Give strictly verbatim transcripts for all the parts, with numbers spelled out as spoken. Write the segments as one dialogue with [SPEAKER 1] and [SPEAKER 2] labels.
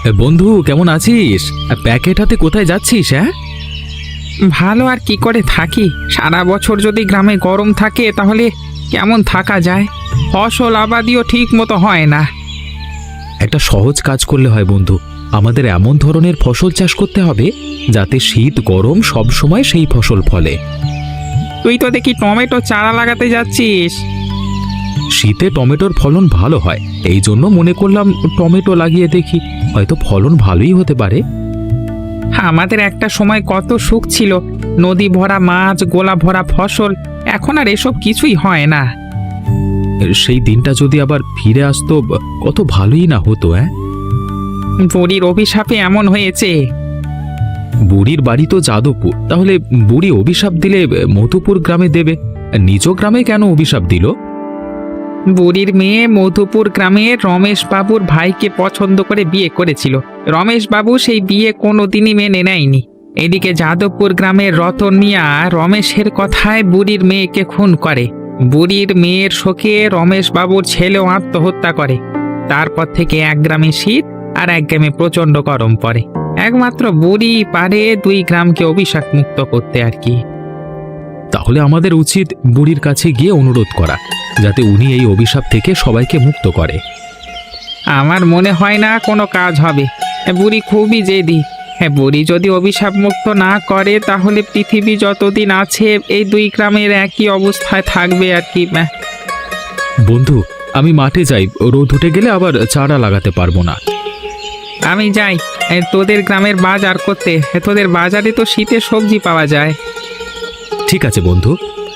[SPEAKER 1] বন্ধু, কেমন আছিস? প্যাকেট হাতে কোথায় যাচ্ছিস? হ্যাঁ,
[SPEAKER 2] ভালো আর কি করে থাকি? সারা বছর যদি গ্রামে গরম থাকে তাহলে কেমন থাকা যায়? ফসল আবাদিও ঠিক মতো হয় না।
[SPEAKER 1] একটা সহজ কাজ করলে হয় বন্ধু। আমাদের এমন ধরনের ফসল চাষ করতে হবে যাতে শীত গরম সব সময় সেই ফসল ফলে।
[SPEAKER 2] তুই তো দেখি টমেটো চারা লাগাতে যাচ্ছিস।
[SPEAKER 1] শীতে টমেটোর ফলন ভালো হয়, এই জন্য মনে করলাম টমেটো লাগিয়ে দেখি, হয়তো ফলন ভালোই হতে পারে।
[SPEAKER 2] আমাদের একটা সময় কত সুখ ছিল, নদী ভরা মাছ, গোলা ভরা ফসল। এখন আর এসব কিছুই হয় না।
[SPEAKER 1] সেই দিনটা যদি আবার ফিরে আসতো কত ভালোই না হতো। হ্যাঁ,
[SPEAKER 2] বুড়ির অভিশাপে এমন হয়েছে।
[SPEAKER 1] বুড়ির বাড়ি তো যাদবপুর, তাহলে বুড়ি অভিশাপ দিলে মধুপুর গ্রামে দেবে, নিজ গ্রামে কেন অভিশাপ দিল?
[SPEAKER 2] বুড়ির মেয়ে মধুপুর গ্রামের রমেশ বাবুর ভাইকে পছন্দ করে বিয়ে করেছিল। রমেশ বাবু সেই বিয়ে কোনোদিনই মেনে নেয়নি। এদিকে যাদবপুর গ্রামের রতন মিয়া রমেশের কথায় বুড়ির মেয়েকে খুন করে। বুড়ির মেয়ের শোকে রমেশ বাবুর ছেলেও আত্মহত্যা করে। তারপর থেকে এক গ্রামে শীত আর এক গ্রামে প্রচণ্ড গরম পড়ে। একমাত্র বুড়ি পারে দুই গ্রামকে অভিশাপ মুক্ত করতে আর কি।
[SPEAKER 1] তাহলে আমাদের উচিত বুড়ির কাছে গিয়ে অনুরোধ করা, যাতে উনি এই অভিশাপ থেকে সবাইকে মুক্ত করে।
[SPEAKER 2] আমার মনে হয় না কোনো কাজ হবে। বুড়ি খুবই জেদি। হ্যাঁ, বুড়ি যদি অভিশাপ মুক্ত না করে তাহলে পৃথিবী যতদিন আছে এই দুই গ্রামের একই অবস্থায় থাকবে আর কি।
[SPEAKER 1] বন্ধু, আমি মাঠে যাই, রোদ উঠে গেলে আবার চারা লাগাতে পারবো না।
[SPEAKER 2] আমি যাই এ, তোদের গ্রামের বাজার করতে। এ, তোদের বাজারে তো শীতের সবজি পাওয়া যায়।
[SPEAKER 1] ঠিক আছে বন্ধু।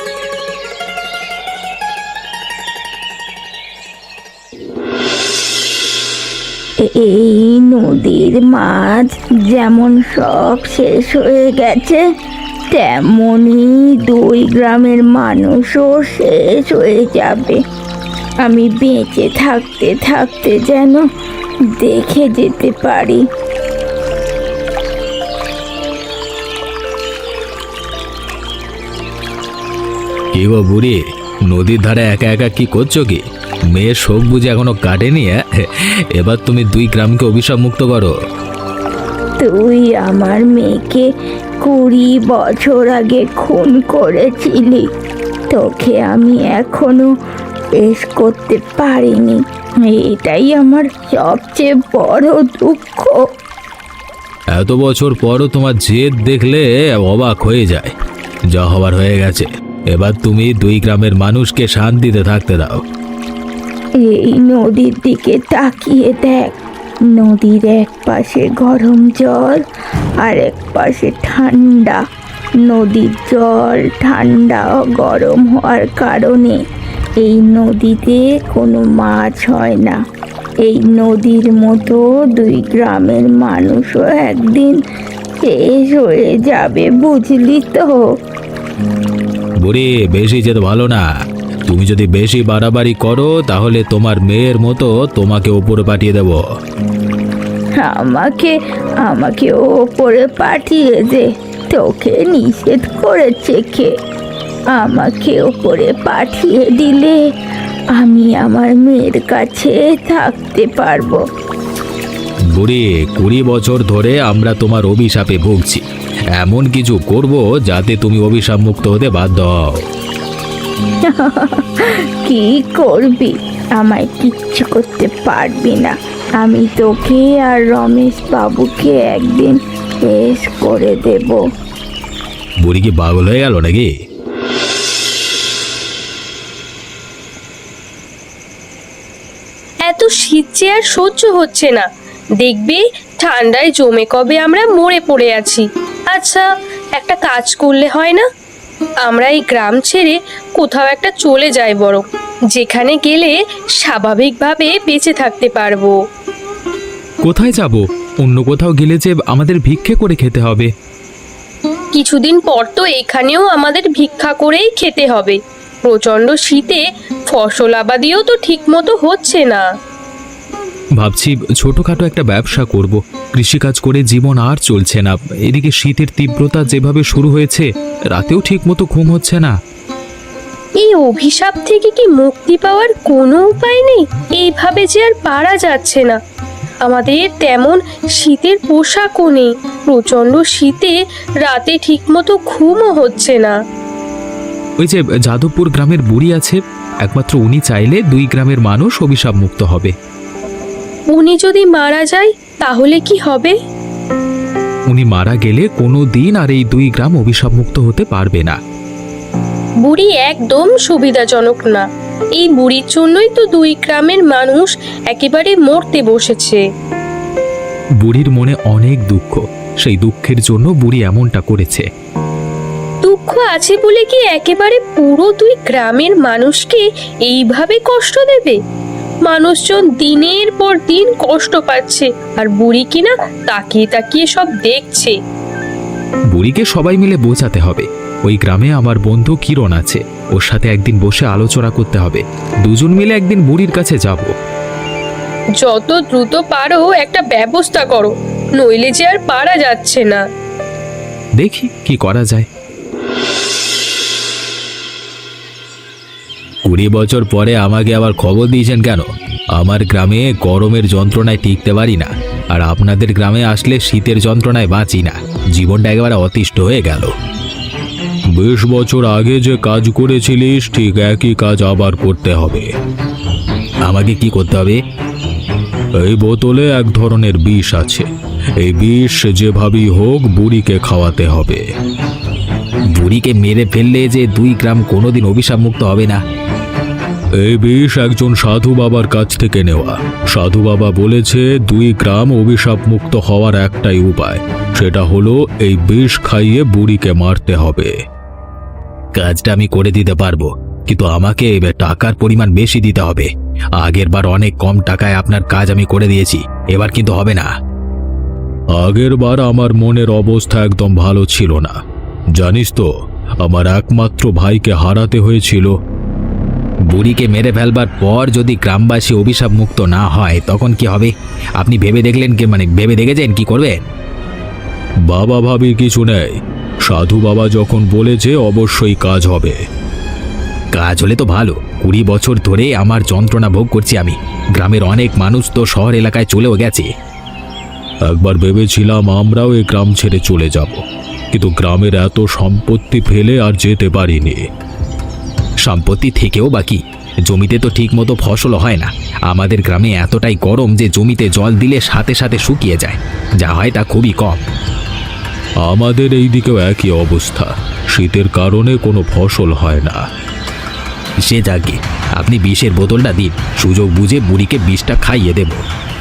[SPEAKER 3] এই নদীর মাছ যেমন সব শেষ হয়ে গেছে, তেমনি দুই গ্রামের মানুষও শেষ হয়ে যাবে। আমি বেঁচে থাকতে থাকতে যেন দেখে যেতে পারি।
[SPEAKER 1] কি গো বুড়ি, নদীর ধারে একা একা কি করছো কি? মেয়ের শোক বুঝে এখনো কাটেনি? এবার তুমি দুই গ্রামকে অভিশাপ মুক্ত করো।
[SPEAKER 3] তুই আমার মেয়েকে কুড়ি বছর আগে খুন করেছিলি। তোকে আমি এখনো পেশ করতে পারিনি, এটাই আমার সবচেয়ে বড় দুঃখ।
[SPEAKER 1] এত বছর পরও তোমার জেদ দেখলে অবাক হয়ে যায়। যা হবার হয়ে গেছে, এবার তুমি দুই গ্রামের মানুষকে শান্তিতে থাকতে দাও।
[SPEAKER 3] এই নদীর দিকে তাকিয়ে দেখ। নদীর এক পাশে গরম জল আর এক পাশে ঠান্ডা। নদীর জল ঠান্ডা ও গরম হওয়ার কারণে এই নদীতে কোনো মাছ হয় না। এই নদীর মতো দুই গ্রামের মানুষও একদিন শেষ হয়ে যাবে, বুঝলি তো?
[SPEAKER 1] বুড়ি, বেশি যেতে ভালো না। তুমি যদি বেশি বাড়াবাড়ি করো তাহলে তোমার মেয়ের মতো তোমাকে ওপরে পাঠিয়ে দেব।
[SPEAKER 3] আমাকে আমাকে ওপরে পাঠিয়ে দে। তোকে নিষেধ করেছে কে? আমাকে ওপরে পাঠিয়ে দিলে আমি আমার মেয়ের কাছে থাকতে পারবো।
[SPEAKER 1] বুড়ি, কুড়ি বছর ধরে আমরা তোমার অভিশাপে ভুগছি। এমন কিছু করব যাতে তুমি অভিশাপ মুক্ত হতে বাধ্য হও।
[SPEAKER 3] কি করবি? আমায় কিচ্ছু করতে পারবি না। আমি তোকে আর রমেশ বাবুকে একদিন শেষ করে দেব।
[SPEAKER 1] বুড়ি কি পাগল হয়ে গেল নাকি?
[SPEAKER 4] এত শীত যে আর সহ্য হচ্ছে না। দেখবি ঠান্ডায় জমে কবে আমরা মরে পড়ে আছি। আচ্ছা, একটা কাজ করলে হয় না? আমরা এই গ্রাম ছেড়ে কোথাও একটা চলে যাই বরং, যেখানে গেলে স্বাভাবিকভাবে বেঁচে থাকতে পারবো।
[SPEAKER 1] কোথায় যাব? অন্য কোথাও গেলে যে আমাদের ভিক্ষে করে খেতে হবে।
[SPEAKER 4] কিছুদিন পর তো এখানেও আমাদের ভিক্ষা করেই খেতে হবে। প্রচণ্ড শীতে ফসল আবাদিও তো ঠিক মতো হচ্ছে না।
[SPEAKER 1] ভাবছি ছোটখাটো একটা ব্যবসা করব। কৃষিকাজ করে জীবন আর চলছে না। এদিকে শীতের তীব্রতা যেভাবে শুরু হয়েছে, রাতেও ঠিক মতো ঘুম হচ্ছে না।
[SPEAKER 4] এই অভিশাপ থেকে কি মুক্তি পাওয়ার কোনো উপায় নেই? এইভাবে যে আর পারা যাচ্ছে না। আমাদের তেমন শীতের পোশাকও নেই, প্রচণ্ড শীতে রাতে ঠিকমতো ঘুমও হচ্ছে না।
[SPEAKER 1] ওই যে যাদবপুর গ্রামের বুড়ি আছে, একমাত্র উনি চাইলে দুই গ্রামের মানুষ অভিশাপ মুক্ত হবে।
[SPEAKER 4] উনি যদি মারা যায় তাহলে কি হবে?
[SPEAKER 1] উনি মারা গেলে কোনো দিন আর এই দুই গ্রাম অভিশাপ মুক্ত হতে পারবে না।
[SPEAKER 4] বুড়ি একদম সুবিধাজনক না, এই বুড়ির জন্যই তো দুই গ্রামের মানুষ একেবারে মরতে বসেছে।
[SPEAKER 1] বুড়ির মনে অনেক দুঃখ, সেই দুঃখের জন্য বুড়ি এমনটা করেছে।
[SPEAKER 4] দুঃখ আছে বলে কি একেবারে পুরো দুই গ্রামের মানুষকে এইভাবে কষ্ট দেবে? মানুষজন দিনের পর দিন কষ্ট পাচ্ছে, আর বুড়ি কিনা তাকিয়ে তাকিয়ে সব দেখছে।
[SPEAKER 1] বুড়িকে সবাই মিলে বোঝাতে হবে। ওই গ্রামে আমার বন্ধু কিরণ আছে, ওর সাথে একদিন বসে আলোচনা করতে হবে। দুজন মিলে একদিন বুড়ির কাছে যাব।
[SPEAKER 4] যত দ্রুত পারো একটা ব্যবস্থা করো, নইলে যে আর পারা যাচ্ছে না।
[SPEAKER 1] দেখি কি করা যায়। কুড়ি বছর পরে আমাকে আবার খবর দিয়েছেন কেন? আমার গ্রামে গরমের যন্ত্রণায় টিকতে পারি না, আর আপনাদের গ্রামে আসলে শীতের যন্ত্রণায় বাঁচি না। জীবনটা একেবারে অতিষ্ঠ হয়ে গেল। বিশ বছর আগে যে কাজ করেছিলিস ঠিক একই কাজ আবার করতে হবে। আমাকে কি করতে হবে? এই বোতলে এক ধরনের বিষ আছে, এই বিষ যেভাবেই হোক বুড়িকে খাওয়াতে হবে। বুড়িকে মেরে ফেললে যে দুই গ্রাম কোনোদিন অভিশাপ মুক্ত হবে না। এই বিষ একজন সাধু বাবার কাছ থেকে নেওয়া। সাধু বাবা বলেছে দুই গ্রাম অভিশাপ মুক্ত হওয়ার একটাই উপায়, সেটা হলো এই বিষ খাইয়ে বুড়িকে মারতে হবে। কাজটা আমি করে দিতে পারবো, কিন্তু আমাকে টাকার পরিমাণ বেশি দিতে হবে। আগের বার অনেক কম টাকায় আপনার কাজ আমি করে দিয়েছি, এবার কিন্তু হবে না। আগের বার আমার মনের অবস্থা একদম ভালো ছিল না, জানিস তো, আমার একমাত্র ভাইকে হারাতে হয়েছিল। বুড়িকে মেরে ফেলবার পর যদি গ্রামবাসী অভিশাপ মুক্ত না হয় তখন কি হবে? আপনি ভেবে দেখলেন কি, মানে ভেবে দেখেছেন কি করবেন? বাবা ভাবি কিছু নেই, সাধু বাবা যখন বলেছে অবশ্যই কাজ হবে। কাজ হলে তো ভালো। কুড়ি বছর ধরে আমার যন্ত্রণা ভোগ করছি আমি। গ্রামের অনেক মানুষ তো শহর এলাকায় চলেও গেছে। একবার ভেবেছিলাম আমরাও এই গ্রাম ছেড়ে চলে যাব, কিন্তু গ্রামের এত সম্পত্তি ফেলে আর যেতে পারিনি। সম্পত্তি থেকেও বাকি জমিতে তো ঠিক মতো ফসল হয় না। আমাদের গ্রামে এতটাই গরম যে জমিতে জল দিলে সাথে সাথে শুকিয়ে যায়, যা হয় তা খুবই কম। আমাদের এই দিকেও একই অবস্থা, শীতের কারণে কোনো ফসল হয় না। সে যাকে, আপনি বিষের বোতলটা দিন, সুযোগ বুঝে বুড়িকে বিষটা খাইয়ে দেব।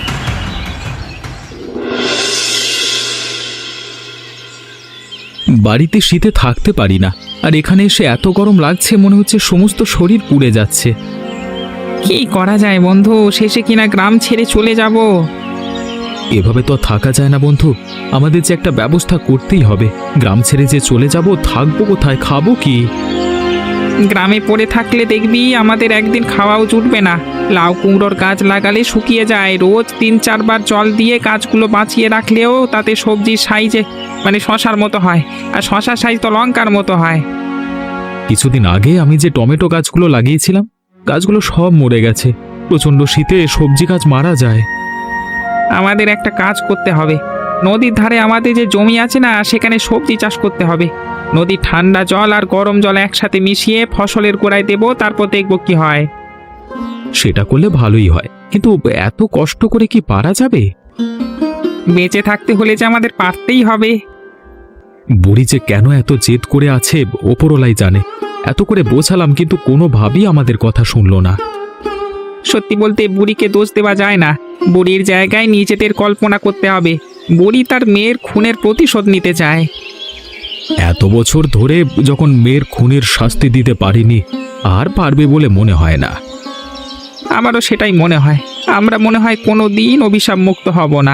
[SPEAKER 1] বাড়িতে শীতে থাকতে পারি না, আর এখানে এসে এত গরম লাগছে, মনে হচ্ছে সমস্ত শরীর পুড়ে যাচ্ছে।
[SPEAKER 2] কি করা যায় বন্ধু, শেষে কিনা গ্রাম ছেড়ে চলে যাব।
[SPEAKER 1] এভাবে তো থাকা যায় না বন্ধু, আমাদের যে একটা ব্যবস্থা করতেই হবে। গ্রাম ছেড়ে যে চলে যাব, থাকবো কোথায়, খাবো কি?
[SPEAKER 2] গ্রামে পড়ে থাকলে দেখবি আমাদের একদিন খাওয়াও জুটবে না। লাউ কুমড়োর গাছ লাগালে শুকিয়ে যায়, রোজ তিন চারবার জল দিয়ে গাছগুলো বাঁচিয়ে রাখলেও তাতে সবজির সাইজে মানে শশার মতো হয়, আর শশার সাইজ তো লঙ্কার মতো হয়।
[SPEAKER 1] কিছুদিন আগে আমি যে টমেটো গাছগুলো লাগিয়েছিলাম, গাছগুলো সব মরে গেছে। প্রচণ্ড শীতে সবজি গাছ মারা যায়।
[SPEAKER 2] আমাদের একটা কাজ করতে হবে, নদীর ধারে আমাদের যে জমি আছে না, সেখানে সবজি চাষ করতে হবে। নদীর ঠান্ডা জল আর গরম জল একসাথে মিশিয়ে ফসলের গোড়ায় দেবো, তারপর দেখবো কি হয়।
[SPEAKER 1] সেটা করলে ভালোই হয়, কিন্তু এত কষ্ট করে কি পারা যাবে?
[SPEAKER 2] বেঁচে থাকতে হলে যে আমাদের পারতেই হবে।
[SPEAKER 1] বুড়ি যে কেন এত জেদ করে আছে ওপরওয়ালাই জানে। এত করে বোঝালাম, কিন্তু কোনোভাবেই আমাদের কথা শুনলো না।
[SPEAKER 2] সত্যি বলতে বুড়িকে দোষ দেওয়া যায় না, বুড়ির জায়গায় নিজেদের কল্পনা করতে হবে। বুড়ি তার মেয়ের খুনের প্রতিশোধ নিতে চায়।
[SPEAKER 1] এত বছর ধরে যখন মেয়ের খুনের শাস্তি দিতে পারিনি, আর পারবে বলে মনে হয় না।
[SPEAKER 2] আমারও সেটাই মনে হয়, আমরা মনে হয় কোনো দিন অভিশাপ মুক্ত হব না।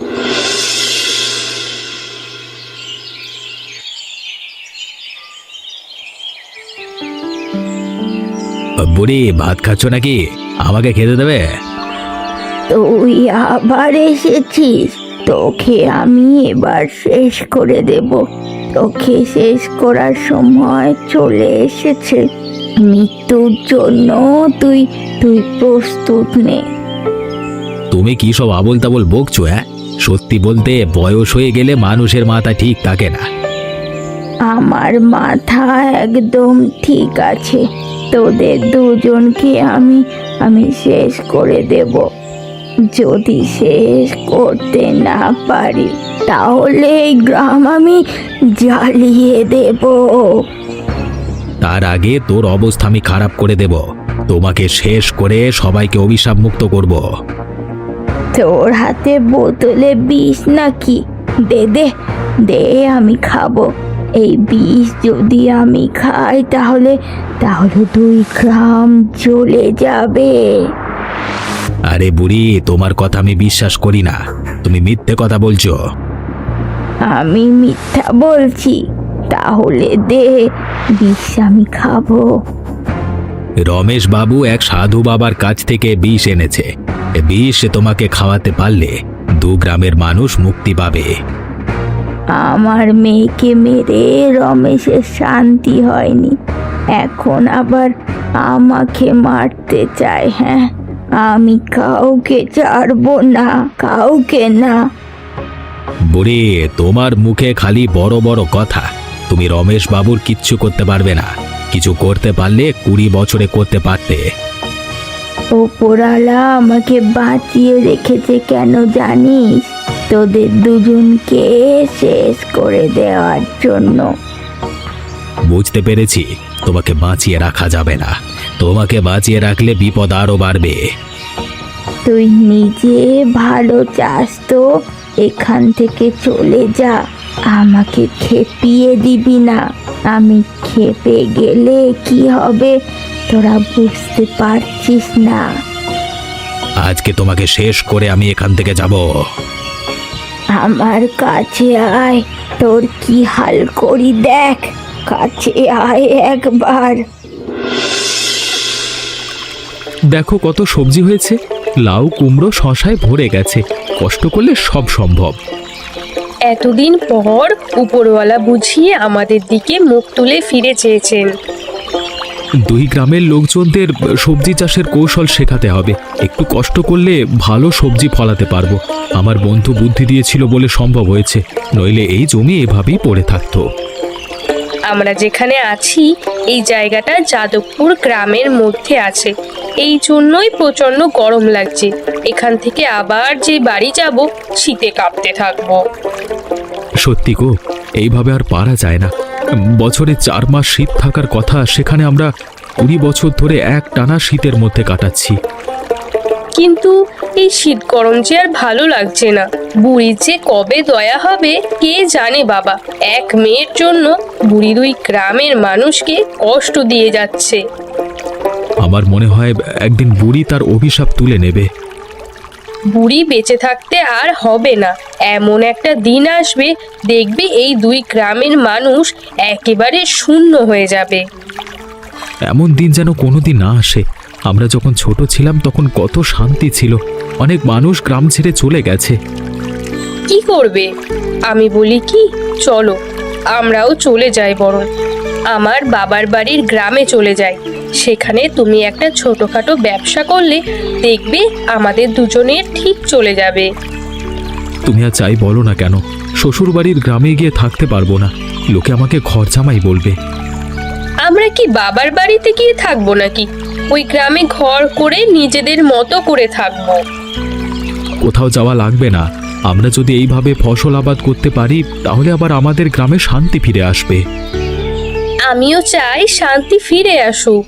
[SPEAKER 1] বুড়ি ভাত খাচ্ছ নাকি? আমাকে খেতে দেবে?
[SPEAKER 3] তুই আবার এসেছিস, তোকে আমি এবার শেষ করে দেব। তোকে শেষ করার সময় চলে এসেছে। মৃত্যুর জন্য তুই তুই প্রস্তুত নে।
[SPEAKER 1] তুমি কি সব আবোল তাবোল বকছো? হ্যাঁ, সত্যি বলতে বয়স হয়ে গেলে মানুষের মাথা ঠিক থাকে না।
[SPEAKER 3] আমার মাথা একদম ঠিক আছে। তোদের দুজনকে আমি আমি শেষ করে দেব। যদি শেষ করতে না পারি তাহলে এই গ্রাম আমি জ্বালিয়ে দেব।
[SPEAKER 1] তার আগে তোর অবস্থা আমি খারাপ করে দেব। তোমাকে শেষ করে সবাইকে অভিশাপ মুক্ত করব।
[SPEAKER 3] তোর হাতে বোতলে বিষ নাকি? দে দে দে, আমি খাবো। এই বিষ যদি আমি খাই তাহলে তাহলে দুই গ্রাম চলে যাবে।
[SPEAKER 1] আরে বুড়ি, তোমার কথা আমি বিশ্বাস করি না। তুমি মিথ্যে কথা বলছো।
[SPEAKER 3] আমি মিথ্যা বলছি? তাহলে দে, বিষ আমি খাবো।
[SPEAKER 1] রমেশ বাবু এক সাধু বাবার কাছ থেকে বিষ এনেছে। এ বিষ তোমাকে খাওয়াতে পারলে দু গ্রামের মানুষ মুক্তি পাবে।
[SPEAKER 3] আমার মেয়েকে মেরে রমেশের শান্তি হয়নি, এখন আবার আমাকে মারতে চায়। হ্যাঁ, আমি কাউকে ছাড়বো না, কাউকে না।
[SPEAKER 1] বুড়ি, তোমার মুখে খালি বড় বড় কথা। তুমি রমেশ বাবুর কিচ্ছু করতে পারবে না। কিছু করতে পারলে কুড়ি বছরে করতে পারতে।
[SPEAKER 3] ওপরওয়ালা আমাকে বাঁচিয়ে রেখেছে কেন জানিস? তোদের দুজনকে শেষ করে দেওয়ার জন্য।
[SPEAKER 1] বুঝতে পেরেছি, তোমাকে বাঁচিয়ে রাখা যাবে না। তোমাকে বাঁচিয়ে রাখলে বিপদ আরো বাড়বে।
[SPEAKER 3] তুই নিজে ভালো চাস তো এখান থেকে চলে যা, আমাকে খেপিয়ে দিবি না। আমি খেপে গেলে কি হবে তোরা বুঝতে পারছিস না।
[SPEAKER 1] আজকে তোমাকে শেষ করে আমি এখান থেকে যাব।
[SPEAKER 3] আমার কাছে আয়, তোর কি হাল করি দেখ। কাছে আয় একবার।
[SPEAKER 1] দেখো কত সবজি হয়েছে। লাউ, কুমড়ো, শশায় ভরে গেছে। কষ্ট করলে সব সম্ভব।
[SPEAKER 4] এতদিন পর উপরওয়ালা বুঝিয়ে আমাদের দিকে মুখ তুলে ফিরে চেয়েছেন।
[SPEAKER 1] দুই গ্রামের লোকজনদের সবজি চাষের কৌশল শেখাতে হবে। একটু কষ্ট করলে ভালো সবজি ফলাতে পারবো। আমার বন্ধু বুদ্ধি দিয়েছিল বলে সম্ভব হয়েছে, নইলে এই জমি এভাবেই পড়ে থাকতো।
[SPEAKER 4] আমরা যেখানে আছি এই জায়গাটা যাদবপুর গ্রামের মধ্যে আছে, এই জন্যই প্রচন্ড গরম লাগছে। এখান থেকে আবার যে বাড়ি যাব শীতে কাঁপতে থাকবো।
[SPEAKER 1] সত্যি গো, এইভাবে আর পারা যায় না। বছরে চার মাস শীত থাকার কথা, সেখানে আমরা কুড়ি বছর ধরে এক টানা শীতের মধ্যে কাটাচ্ছি।
[SPEAKER 4] কিন্তু এই শীত গরম যে আর ভালো লাগছে না। বুড়ির যে কবে দয়া হবে কে জানে বাবা। এক মেয়ের জন্য বুড়ি দুই গ্রামের মানুষকে কষ্ট দিয়ে যাচ্ছে।
[SPEAKER 1] আমার মনে হয় একদিন বুড়ি তার অভিশাপ তুলে নেবে।
[SPEAKER 4] বুড়ি বেঁচে থাকতে আর হবে না। এমন একটা দিন আসবে, দেখবে এই দুই গ্রামের মানুষ একেবারে শূন্য হয়ে যাবে।
[SPEAKER 1] এমন দিন যেন কোনোদিন না আসে। আমরা যখন ছোট ছিলাম তখন কত শান্তি ছিল। অনেক মানুষ গ্রাম ছেড়ে চলে গেছে।
[SPEAKER 4] কি করবে? আমি বলি কি, চলো আমরাও চলে যাই। বরং আমার বাবার বাড়ির গ্রামে চলে যাই। সেখানে তুমি একটা ছোটখাটো ব্যবসা করলে দেখবে আমাদের দুজনের ঠিক চলে যাবে।
[SPEAKER 1] তুমি আর চাই বলো না কেন, শ্বশুর বাড়ির গ্রামে গিয়ে থাকতে পারবো না। লোকে আমাকে ঘর জামাই বলবে।
[SPEAKER 4] আমরা কি বাবার বাড়িতে গিয়ে থাকবো নাকি? ওই গ্রামে ঘর করে নিজেদের মতো করে থাকবো।
[SPEAKER 1] কোথাও যাওয়া লাগবে না। আমরা যদি এইভাবে ফসল আবাদ করতে পারি তাহলে আবার আমাদের গ্রামে শান্তি ফিরে আসবে।
[SPEAKER 4] আমিও চাই শান্তি ফিরে আসুক।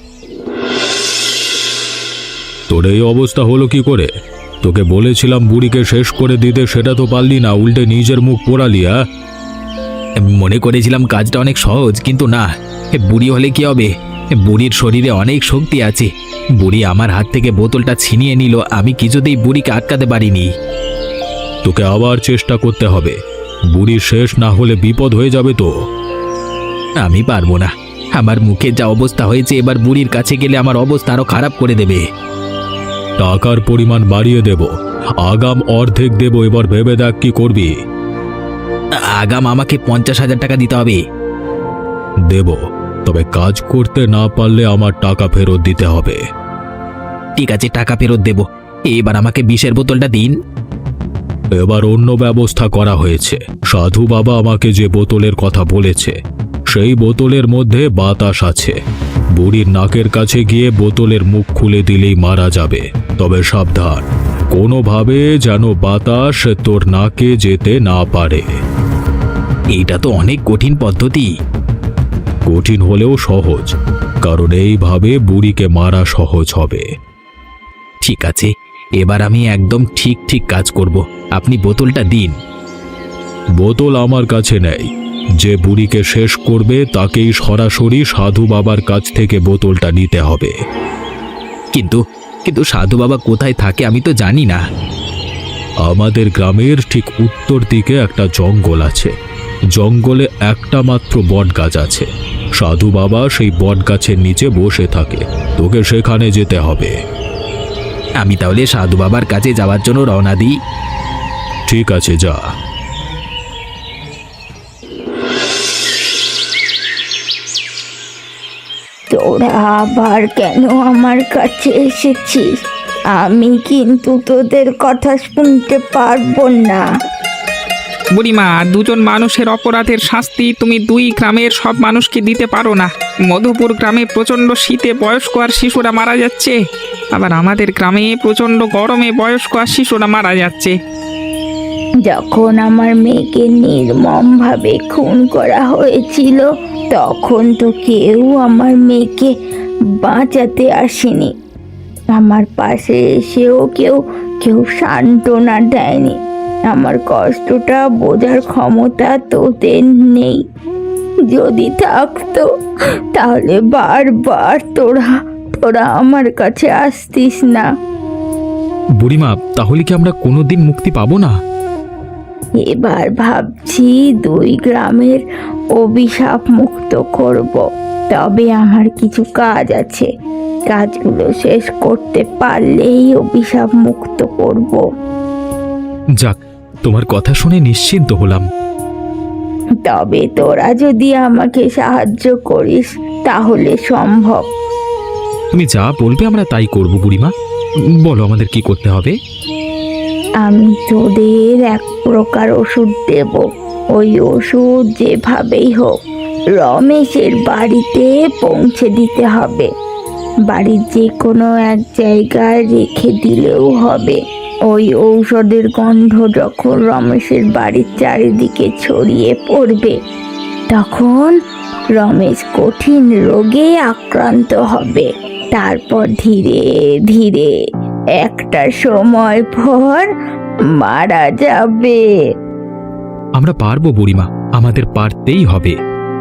[SPEAKER 1] তোর এই অবস্থা হলো কি করে? তোকে বলেছিলাম বুড়িকে শেষ করে দিতে, সেটা তো পারলি না, উল্টে নিজের মুখ পোড়ালি। হ্যাঁ, মনে করেছিলাম কাজটা অনেক সহজ, কিন্তু না। বুড়ি হলে কি হবে? বুড়ির শরীরে অনেক শক্তি আছে। বুড়ি আমার হাত থেকে বোতলটা ছিনিয়ে নিল, আমি কিছুতেই বুড়িকে আটকাতে পারিনি। তোকে আবার চেষ্টা করতে হবে। বুড়ি শেষ না হলে বিপদ হয়ে যাবে তো। আমি পারবো না। আমার মুখে যা অবস্থা হয়েছে, এবার বুড়ির কাছে গেলে আমার অবস্থা আরো খারাপ করে দেবে। টাকার পরিমাণ বাড়িয়ে দেব, আগাম অর্ধেক দেব। এবার ভেবে দেখ কি করবি। আগাম আমাকে পঞ্চাশ হাজার টাকা দিতে হবে। দেব, তবে কাজ করতে না পারলে আমার টাকা ফেরত দিতে হবে। ঠিক আছে, টাকা ফেরত দেব। এবার আমাকে বিষের বোতলটা দিন। এবার অন্য ব্যবস্থা করা হয়েছে। সাধু বাবা আমাকে যে বোতলের কথা বলেছে সেই বোতলের মধ্যে বাতাস আছে। বুড়ির নাকের কাছে গিয়ে বোতলের মুখ খুলে দিলেই মারা যাবে। তবে সাবধান, কোনোভাবে যেন বাতাস তোর নাকে যেতে না পারে। এইটা তো অনেক কঠিন পদ্ধতি। কঠিন হলেও সহজ, কারণ এইভাবে বুড়িকে মারা সহজ হবে। ঠিক আছে, এবার আমি একদম ঠিক ঠিক কাজ করব। আপনি বোতলটা দিন। বোতল আমার কাছে নেই। যে বুড়িকে শেষ করবে তাকেই সরাসরি সাধু বাবার কাছ থেকে বোতলটা নিতে হবে। কিন্তু কিন্তু সাধু বাবা কোথায় থাকে আমি তো জানি না। আমাদের গ্রামের ঠিক উত্তর দিকে একটা জঙ্গল আছে। জঙ্গলে একটা মাত্র বট গাছ আছে। সাধু বাবা সেই বট গাছের নিচে বসে থাকে। তোকে সেখানে যেতে হবে। আমি তাহলে সাধু বাবার কাছে যাওয়ার জন্য রওনা দিই। ঠিক আছে, যা।
[SPEAKER 3] তোরা আবার কেন আমার কাছে এসেছিস? আমি কিন্তু তোদের কথা শুনতে পারবো না।
[SPEAKER 2] বুড়িমা, দুজন মানুষের অপরাধের শাস্তি তুমি দুই গ্রামের সব মানুষকে দিতে পারো না। মধুপুর গ্রামে প্রচণ্ড শীতে বয়স্ক আর শিশুরা মারা যাচ্ছে, আবার আমাদের গ্রামে প্রচণ্ড গরমে বয়স্ক আর শিশুরা মারা যাচ্ছে।
[SPEAKER 3] যখন আমার মেয়েকে নির্মমভাবে খুন করা হয়েছিল তখন তো কেউ আমার মেয়েকে বাঁচাতে আসেনি। আমার পাশে এসেও কেউ কেউ সান্ত্বনা দেয়নি। আমার কষ্টটা বোঝার ক্ষমতা তোদের নেই। যদি থাকতো তাহলে বারবার তোরা তোরা আমার কাছে আসতিস না।
[SPEAKER 1] বুড়িমা, তাহলে কি আমরা কোনোদিন মুক্তি পাবো না?
[SPEAKER 3] এবার ভাবছি দুই গ্রামের অভিশাপ মুক্ত করব। তবে আমার কিছু কাজ আছে, কাজগুলো শেষ করতে পারলেই অভিশাপ মুক্ত করব।
[SPEAKER 1] যাক, তোমার কথা শুনে নিশ্চিন্ত হলাম।
[SPEAKER 3] তবে তোরা যদি আমাকে সাহায্য করিস তাহলে সম্ভব।
[SPEAKER 1] তুমি যা বলবে আমরা তাই করব বুড়িমা। বলো আমাদের কি করতে হবে?
[SPEAKER 3] আমি তোদের এক প্রকার ওষুধ দেব। ওই ওষুধ যেভাবেই হোক রমেশের বাড়িতে পৌঁছে দিতে হবে। বাড়ির যে কোনো এক জায়গায় রেখে দিলেও হবে। ওই ঔষধের গন্ধ যখন রমেশের বাড়ির চারিদিকে ছড়িয়ে পড়বে তখন রমেশ কঠিন রোগে আক্রান্ত হবে। তারপর ধীরে ধীরে একটা সময় পর মারা যাবে।
[SPEAKER 1] আমরা পারবো বুড়িমা, আমাদের পারতেই হবে।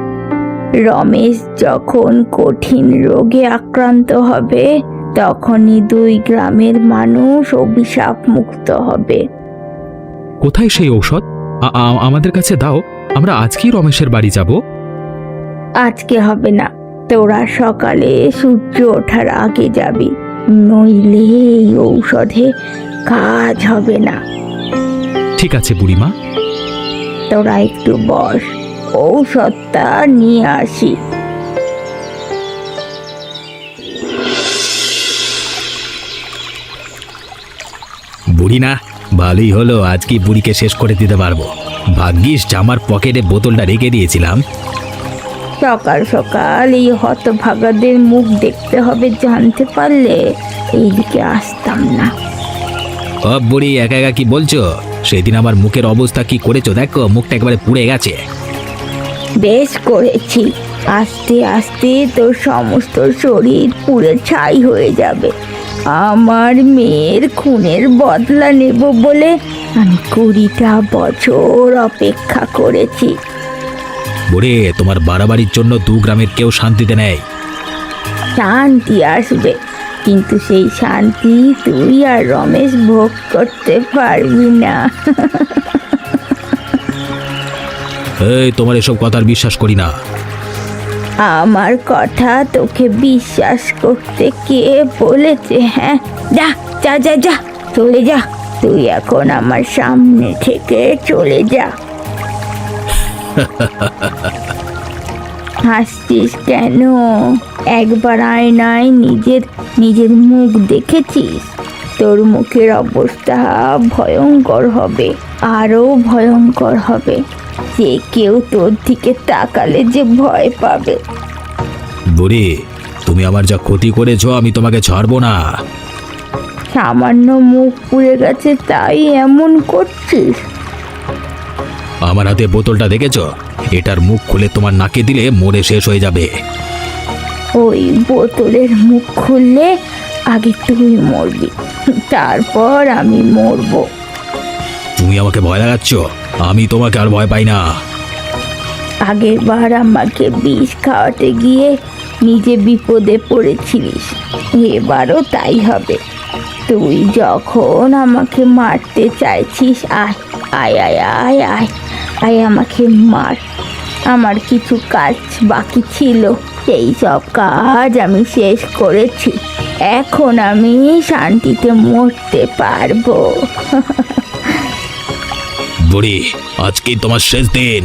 [SPEAKER 3] রমেশ যখন কঠিন রোগে আক্রান্ত হবে তখনই দুই গ্রামের মানুষ অভিশাপ মুক্ত হবে।
[SPEAKER 1] কোথায় সেই ঔষধ? আ- আ- আমাদের কাছে দাও, আমরা আজকেই রমেশের বাড়ি যাব।
[SPEAKER 3] আজকে হবে না, তোরা সকালে সূর্য ওঠার আগে যাবি, নইলে এই ঔষধে কাজ হবে না।
[SPEAKER 1] ঠিক আছে বুড়িমা।
[SPEAKER 3] তোরা একটু বস, ঔষধটা নিয়ে আসি।
[SPEAKER 1] বুড়ি না, ভালোই হলো, আজকে বুড়িকে শেষ করে দিতে পারবো। ভাগ্যিস জামার পকেটে বোতলটা রেখে দিয়েছিলাম।
[SPEAKER 3] সকাল সকাল এই হতভাগাদের মুখ দেখতে হবে জানতে পারলে এইদিকে আসতাম না।
[SPEAKER 1] ও বুড়ি, একা একা কি বলছো? সেদিন আমার মুখের অবস্থা কি করেছো দেখো, মুখটা একেবারে পুড়ে গেছে।
[SPEAKER 3] বেশ করেছি, আস্তে আস্তে তোর সমস্ত শরীর পুড়ে ছাই হয়ে যাবে। আমার মেয়ের খুনের বদলা নেব বলে আমি কুড়িটা বছর অপেক্ষা করেছি।
[SPEAKER 1] বুড়ি, তোমার বাড়াবাড়ির জন্য দু গ্রামের কেউ শান্তিতে নেই।
[SPEAKER 3] শান্তি আসবে, কিন্তু সেই শান্তি তুই আর রমেশ ভোগ করতে পারবি না।
[SPEAKER 1] এই, তোমার এসব কথার বিশ্বাস করি না।
[SPEAKER 3] আমার কথা তোকে বিশ্বাস করতে কে বলেছে? হ্যাঁ, যা যা যা যা চলে যা, তুই এখন আমার সামনে থেকে চলে যা। হাসছিস কেন? একবার আয়নায় নিজের নিজের মুখ দেখেছিস? তোর মুখের অবস্থা ভয়ঙ্কর হবে, আরো ভয়ঙ্কর হবে। যে কেউ তোর দিকে তাকালে যে ভয় পাবে।
[SPEAKER 1] বুড়ি, তুমি আমার যা ক্ষতি করেছো আমি তোমাকে ছাড়বো না।
[SPEAKER 3] সামান্য মুখ পুড়ে গেছে তাই এমন করছিস?
[SPEAKER 1] আমার হাতে বোতলটা দেখেছো? এটার মুখ খুলে তোমার নাকে দিলে মরে শেষ হয়ে যাবে।
[SPEAKER 3] ওই বোতলের মুখ খুললে আগে তুই মরবি, তারপর আমি মরবো।
[SPEAKER 1] তুমি আমাকে ভয় লাগাচ্ছ, আমি তোমাকে আর ভয় পাই না।
[SPEAKER 3] আগের বার আমাকে বিষ খাওয়াতে গিয়ে নিজে বিপদে পড়েছিলিস, এবারও তাই হবে। তুই যখন আমাকে মারতে চাইছিস, আয় আয় আয় আয় আয় আয় আমাকে মার। আমার কিছু কাজ বাকি ছিল, সেই সব কাজ আমি শেষ করেছি। এখন আমি শান্তিতে মরতে পারবো।
[SPEAKER 1] বুড়ি, আজকে তোমার শেষ দিন।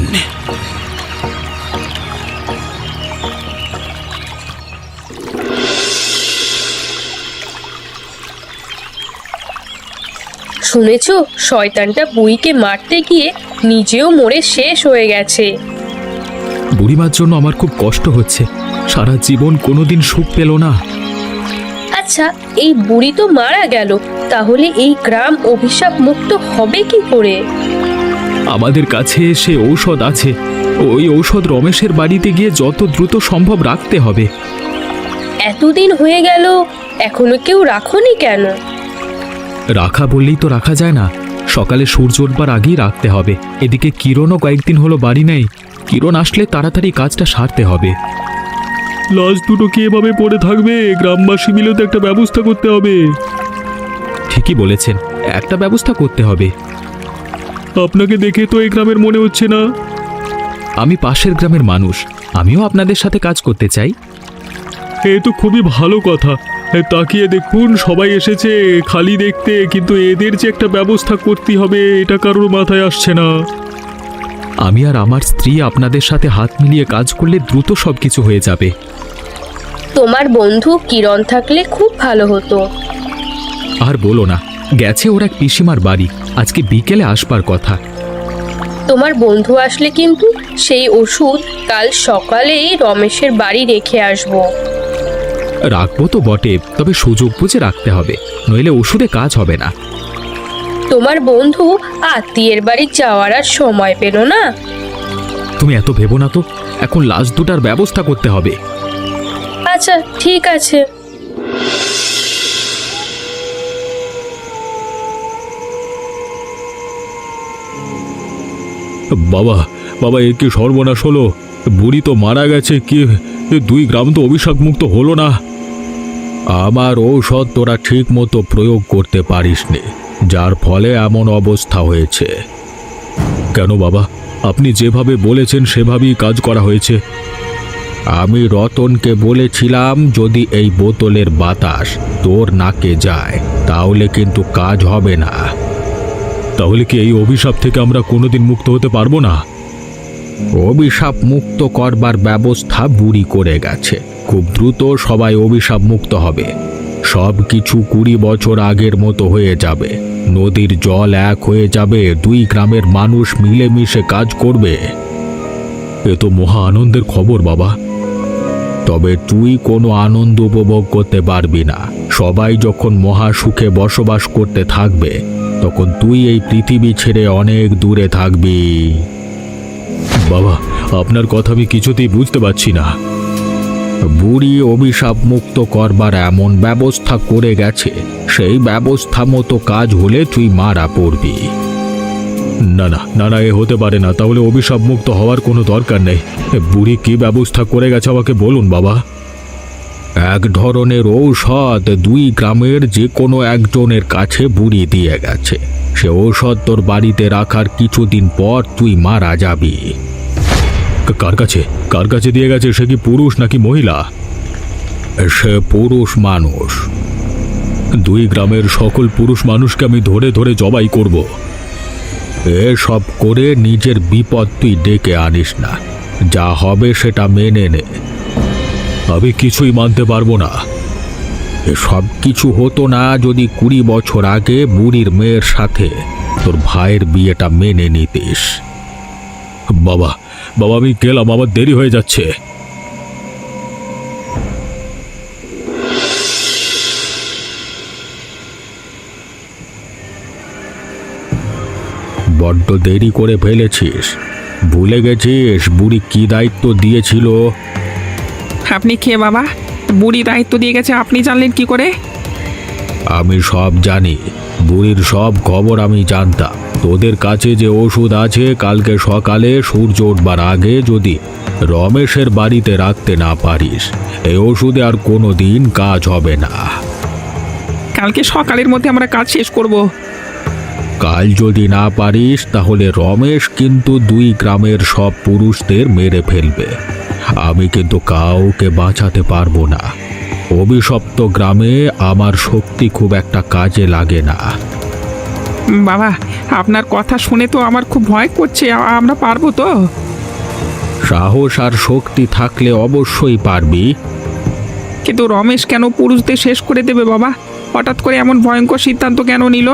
[SPEAKER 4] শুনেছো, শয়তানটা বুড়িকে মারতে গিয়ে নিজেও মরে শেষ হয়ে গেছে।
[SPEAKER 1] বুড়িমার জন্য আমার খুব কষ্ট হচ্ছে, সারা জীবন কোনোদিন সুখ পেল না।
[SPEAKER 4] আচ্ছা, এই বুড়ি তো মারা গেল, তাহলে এই গ্রাম অভিশাপ মুক্ত হবে কি করে?
[SPEAKER 1] আমাদের কাছে সে ঔষধ আছে, ওই ঔষধ রমেশের বাড়িতে গিয়ে যত দ্রুত সম্ভব রাখতে হবে।
[SPEAKER 4] এতদিন হয়ে গেল, এখনো কেউ রাখোনি কেন?
[SPEAKER 1] রাখা বললেই তো রাখা যায় না, সকালে সূর্য ওঠবার আগেই রাখতে হবে। এদিকে কিরণও কয়েকদিন হলো বাড়ি নেই, কিরণ আসলে তাড়াতাড়ি কাজটা সারতে হবে। লাশ দুটো কি এভাবে পড়ে থাকবে? গ্রামবাসী মিলে তো একটা ব্যবস্থা করতে হবে। ঠিকই বলেছেন, একটা ব্যবস্থা করতে হবে। আপনাকে দেখে তো এই গ্রামের মনে হচ্ছে না। আমি পাশের গ্রামের মানুষ, আমিও আপনাদের সাথে কাজ করতে চাই। এ তো খুবই ভালো কথা। তাকিয়ে দেখুন, সবাই এসেছে খালি দেখতে, কিন্তু এদের যে একটা ব্যবস্থা করতে হবে এটা কারোর মাথায় আসছে না। আমি আর আমার স্ত্রী আপনাদের সাথে হাত মিলিয়ে কাজ করলে দ্রুত সবকিছু হয়ে যাবে।
[SPEAKER 4] তোমার বন্ধু কিরণ থাকলে খুব ভালো হতো।
[SPEAKER 1] আর বলো না, গেছে ওর এক পিসিমার বাড়ি, আজকে বিকেলে আসবার কথা।
[SPEAKER 4] তোমার বন্ধু আসলে কিন্তু সেই ওষুধ কাল সকালেই রমেশের বাড়ি রেখে আসবো।
[SPEAKER 1] রাখবো তো বটে, তবে সুযোগ বুঝে রাখতে হবে, নইলে ওষুধে কাজ হবে না।
[SPEAKER 4] তোমার বন্ধু আত্মীয়ের বাড়ি যাওয়ার আর সময় পেল না।
[SPEAKER 1] তুমি এত ভেবো না তো, এখন লাশ দুটার ব্যবস্থা করতে হবে।
[SPEAKER 4] আচ্ছা ঠিক আছে।
[SPEAKER 1] বাবা, বাবা, এ কি সর্বনাশ হলো? বুড়ি তো মারা গেছে, কি দুই গ্রাম তো অভিশাপ মুক্ত হলো না। আমার ঔষধ তোরা ঠিক মতো প্রয়োগ করতে পারিসনি, যার ফলে এমন অবস্থা হয়েছে। কেন বাবা, আপনি যেভাবে বলেছেন সেভাবেই কাজ করা হয়েছে। আমি রতনকে বলেছিলাম যদি এই বোতলের বাতাস তোর নাকে যায় তাহলে কিন্তু কাজ হবে না। তাহলে কি এই অভিশাপ থেকে আমরা কোনোদিন মুক্ত হতে পারবো না? অভিশাপ মুক্ত করবার ব্যবস্থা বুড়ি করে গেছে, খুব দ্রুত সবাই অভিশাপ মুক্ত হবে। সব কিছু কুড়ি বছর আগের মতো হয়ে যাবে, নদীর জল এক হয়ে যাবে, দুই গ্রামের মানুষ মিলেমিশে কাজ করবে। এ তো মহা আনন্দের খবর বাবা। তবে তুই কোনো আনন্দ উপভোগ করতে পারবি না। সবাই যখন মহা সুখে বসবাস করতে থাকবে তখন তুই এই পৃথিবী ছেড়ে অনেক দূরে থাকবি। বাবা, আপনার কথা আমি কিছুতেই বুঝতে পারছি না। বুড়ি অভিশাপ মুক্ত করবার এমন ব্যবস্থা করে গেছে, সেই ব্যবস্থা মতো কাজ হলে তুই মারা পড়বি। না না না না, এ হতে পারে না। তাহলে অভিশাপ মুক্ত হওয়ার কোনো দরকার নেই। বুড়ি কি ব্যবস্থা করে গেছে আমাকে বলুন বাবা। এক ধরনের ঔষধ দুই গ্রামের যে কোনো একজনের কাছে বুড়ি দিয়ে গেছে। সে ঔষধ তোর বাড়িতে রাখার কিছুদিন পর তুই মারা যাবি। কার কাছে কার কাছে দিয়ে গেছে? সে কি পুরুষ নাকি মহিলা? সে পুরুষ মানুষ। দুই গ্রামের সকল পুরুষ মানুষকে আমি ধরে ধরে জবাই করব। এসব করে নিজের বিপদ তুই ডেকে আনিস না, যা হবে সেটা মেনে নে। আমি কিছুই মানতে পারবো না। সব কিছু হতো না যদি কুড়ি বছর আগে বুড়ির মেয়ের সাথে তোর ভাইয়ের বিয়েটা মেনে নিতিস। বাবা বাবা আমি গেলাম, আমার দেরি হয়ে যাচ্ছে। বড্ড দেরি করে ফেলেছিস। ভুলে গেছিস বুড়ি কি দায়িত্ব দিয়েছিল?
[SPEAKER 2] আপনি কে বাবা? বুড়ি দায়িত্ব দিয়ে গেছে, আপনি জানলেন কি করে?
[SPEAKER 1] আমি সব জানি, বুড়ির সব খবর আমি জানতাম। তোদের কাছে যে ওষুধ আছে, কালকে সকালে সূর্য উঠবার আগে যদি রমেশের বাড়িতে রাখতে না পারিস, এই ওষুধে আর কোনো দিন কাজ হবে না।
[SPEAKER 2] কালকে সকালের মধ্যে আমরা কাজ শেষ করব।
[SPEAKER 1] কাল যদি না পারিস তাহলে রমেশ কিন্তু দুই গ্রামের সব পুরুষদের মেরে ফেলবে। আমি কিন্তু কাউকে বাঁচাতে পারবো না। অভিশপ্ত গ্রামে আমার শক্তি খুব একটা কাজে লাগে না।
[SPEAKER 2] বাবা, আপনার কথা শুনে তো আমার খুব ভয় করছে। আ- আমরা পারবো তো?
[SPEAKER 1] সাহস আর শক্তি থাকলে অবশ্যই পারবি।
[SPEAKER 2] কিন্তু রমেশ কেন পুরুষদের শেষ করে দেবে বাবা? হঠাৎ করে এমন ভয়ঙ্কর সিদ্ধান্ত কেন নিল?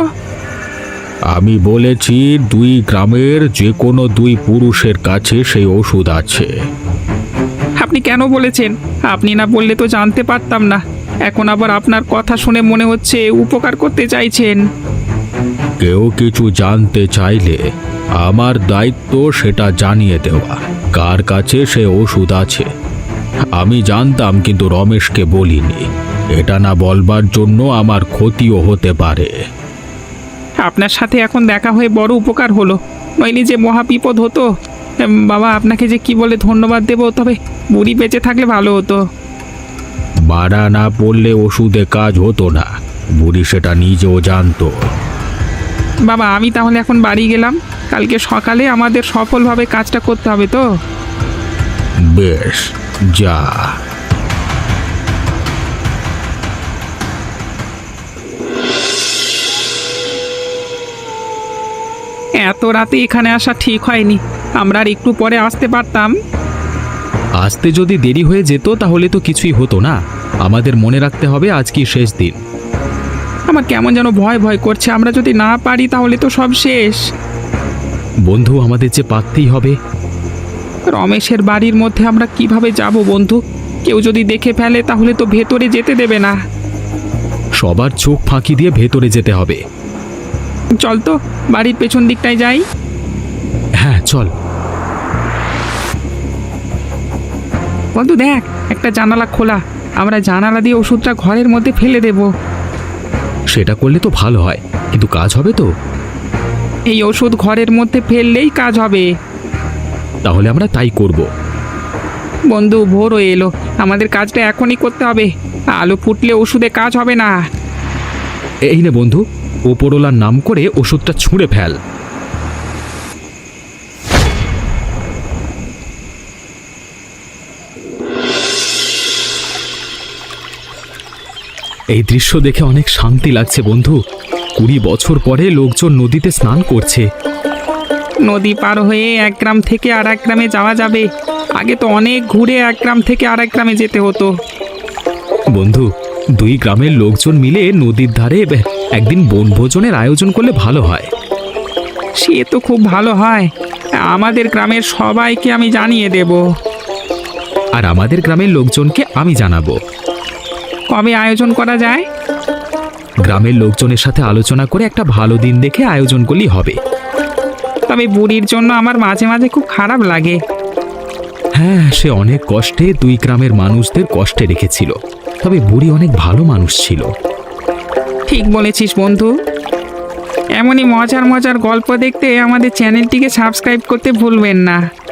[SPEAKER 1] আমি বলেছি দুই গ্রামের যে কোনো দুই পুরুষের কাছে সেই ওষুধ আছে।
[SPEAKER 2] আপনি কেন বলেছেন? আপনি না বললে তো জানতে পারতাম না। এখন আবার আপনার কথা শুনে মনে হচ্ছে উপকার করতে চাইছেন।
[SPEAKER 1] কেউ কিছু জানতে চাইলে আমার দায়িত্ব সেটা জানিয়ে দেওয়া, কার কাছে সে ওষুধ আছে। আমি জানতাম কিন্তু রমেশকে বলিনি। এটা না বলবার জন্য আমার ক্ষতিও হতে পারে।
[SPEAKER 2] আপনার সাথে এখন দেখা হয়ে বড় উপকার হলো, নইলে যে মহা বিপদ হতো। এম, বাবা, আপনাকে যে কি বলে ধন্যবাদ দেবো, তবে বুড়ি বেঁচে থাকলে ভালো হতো।
[SPEAKER 1] মারা না পড়লে ওষুধে কাজ হতো না, বুড়ি সেটা নিজেও জানতো।
[SPEAKER 2] বাবা, আমি তাহলে এখন বাড়ি গেলাম। কালকে সকালে আমাদের সফলভাবে কাজটা করতে হবে তো।
[SPEAKER 1] বেশ, যা।
[SPEAKER 2] এত রাতে এখানে আসা ঠিক হয়নি। আমরা আর একটু পরে আসতে পারতাম।
[SPEAKER 1] আসতে যদি দেরি হয়ে যেত তাহলে তো কিছুই হতো না। আমাদের মনে রাখতে হবে আজকে শেষ দিন।
[SPEAKER 2] আমার কেমন যেন ভয় ভয় করছে। আমরা যদি না পারি তাহলে তো সব শেষ।
[SPEAKER 1] বন্ধু, আমাদের যে পারতেই হবে।
[SPEAKER 2] রমেশের বাড়ির মধ্যে আমরা কিভাবে যাব বন্ধু? কেউ যদি দেখে ফেলে তাহলে তো ভেতরে যেতে দেবে না।
[SPEAKER 1] সবার চোখ ফাঁকি দিয়ে ভেতরে যেতে হবে।
[SPEAKER 2] চল তো, বাড়ির পেছন দিকটায় যাই।
[SPEAKER 1] হ্যাঁ চল।
[SPEAKER 2] বন্ধু দেখ, একটা জানালা খোলা। আমরা জানালা দিয়ে ওষুধটা ঘরের মধ্যে ফেলে দেব।
[SPEAKER 1] সেটা করলে তো ভালো হয়, কিন্তু কাজ হবে তো?
[SPEAKER 2] এই ওষুধ ঘরের মধ্যে ফেললেই কাজ হবে।
[SPEAKER 1] তাহলে আমরা তাই করব।
[SPEAKER 2] বন্ধু, ভোর হয়ে এলো, আমাদের কাজটা এখনই করতে হবে। আলো ফুটলে ওষুধে কাজ হবে না।
[SPEAKER 1] এই নে বন্ধু, ওপরওয়ালার নাম করে ওষুধটা ছুঁড়ে ফেল। এই দৃশ্য দেখে অনেক শান্তি লাগছে বন্ধু। কুড়ি বছর পরে লোকজন নদীতে স্নান করছে।
[SPEAKER 2] নদী পার হয়ে এক গ্রাম থেকে আর এক গ্রামে যাওয়া যাবে। আগে তো অনেক ঘুরে এক গ্রাম থেকে আর এক গ্রামে যেতে হতো।
[SPEAKER 1] বন্ধু, দুই গ্রামের লোকজন মিলে নদীর ধারে একদিন বনভোজনের আয়োজন করলে ভালো হয়।
[SPEAKER 2] সে তো খুব ভালো হয়। আমাদের গ্রামের সবাইকে আমি জানিয়ে দেব।
[SPEAKER 1] আর আমাদের গ্রামের লোকজনকে আমি জানাবো।
[SPEAKER 2] কবে আয়োজন করা যায়?
[SPEAKER 1] গ্রামের লোকজনের সাথে আলোচনা করে একটা ভালো দিন দেখে আয়োজন করলেই হবে।
[SPEAKER 2] তবে বুড়ির জন্য আমার মাঝে মাঝে খুব খারাপ লাগে।
[SPEAKER 1] হ্যাঁ, সে অনেক কষ্টে দুই গ্রামের মানুষদের কষ্টে রেখেছিল। তবে বুড়ি অনেক ভালো মানুষ ছিল।
[SPEAKER 2] ঠিক বলেছিস বন্ধু। এমনই মজার মজার গল্প দেখতে আমাদের চ্যানেলটিকে সাবস্ক্রাইব করতে ভুলবেন না।